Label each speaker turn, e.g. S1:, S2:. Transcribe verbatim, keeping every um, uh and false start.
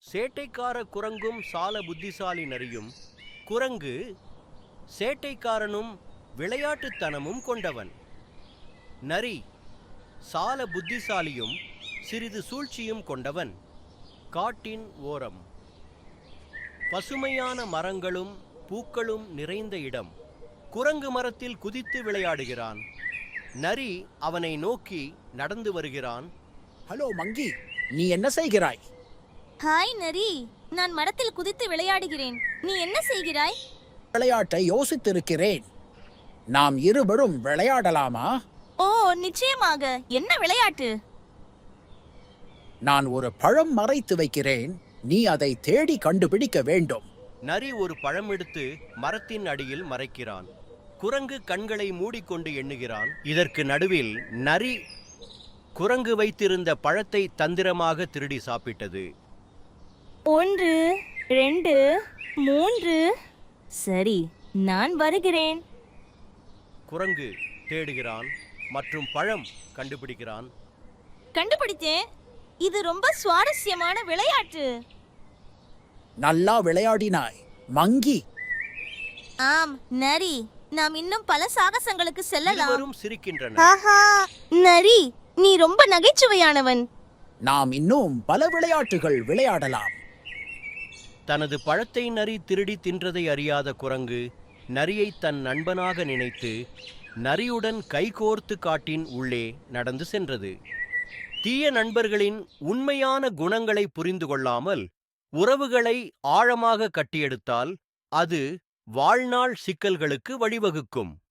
S1: சேட்டைக்கார குரங்கும் சால புத்திசாலி நரியும். குரங்கு சேட்டைக்காரனும் விளையாட்டுத்தனமும் கொண்டவன். நரி சால புத்திசாலியும் சிறிது சூழ்ச்சியும் கொண்டவன். காட்டின் ஓரம் பசுமையான மரங்களும் பூக்களும் நிறைந்த இடம். குரங்கு மரத்தில் குதித்து விளையாடுகிறான். நரி அவனை நோக்கி நடந்து வருகிறான்.
S2: ஹலோ மங்கி, நீ என்ன செய்கிறாய்?
S3: ஹாய் நரி, நான் மரத்தில் குதித்து விளையாடுகிறேன். நீ என்ன செய்கிறாய்?
S2: விளையாட்டை யோசித்திருக்கிறேன். நாம் இருவரும் விளையாடலாமா?
S3: ஓ நிச்சயமாக. என்ன விளையாட்டு?
S2: நான் ஒரு பழம் மறைத்து வைக்கிறேன். நீ அதை தேடி கண்டுபிடிக்க வேண்டும்.
S1: நரி ஒரு பழம் எடுத்து மரத்தின் அடியில் மறைக்கிறான். குரங்கு கண்களை மூடிக்கொண்டு எண்ணுகிறான். இதற்கு நடுவில் நரி குரங்கு வைத்திருந்த பழத்தை தந்திரமாக திருடி சாப்பிட்டது.
S3: ஒன்று, ரெண்டு, மூன்று. சரி, நான் வருகிறேன்.
S1: குரங்கு தேடுகிறான் மற்றும் பழம் கண்டுபிடிக்கிறான்.
S3: கண்டுபிடித்தேன். இது ரொம்ப சுவாரஸ்யமான விளையாட்டு.
S2: நல்லா விளையாடினாய் மங்கி.
S3: ஆம் நரி, நாம் இன்னும் பல சாகசங்களுக்கு செல்லலாம்.
S1: இருவரும் சிரிக்கின்றனர்.
S3: ஆஹா, நரி, நீ ரொம்ப நகைச்சுவையானவன்.
S2: நாம் இன்னும் பல விளையாட்டுகள் விளையாடலாம்.
S1: தனது பழத்தை நரி திருடி தின்றதை அறியாத குரங்கு நரியை தன் நண்பனாக நினைத்து நரியுடன் கைகோர்த்து காட்டின் உள்ளே நடந்து சென்றது. தீய நண்பர்களின் உண்மையான குணங்களை புரிந்து கொள்ளாமல் உறவுகளை ஆழமாக கட்டியெடுத்தால் அது வாழ்நாள் சிக்கல்களுக்கு வழிவகுக்கும்.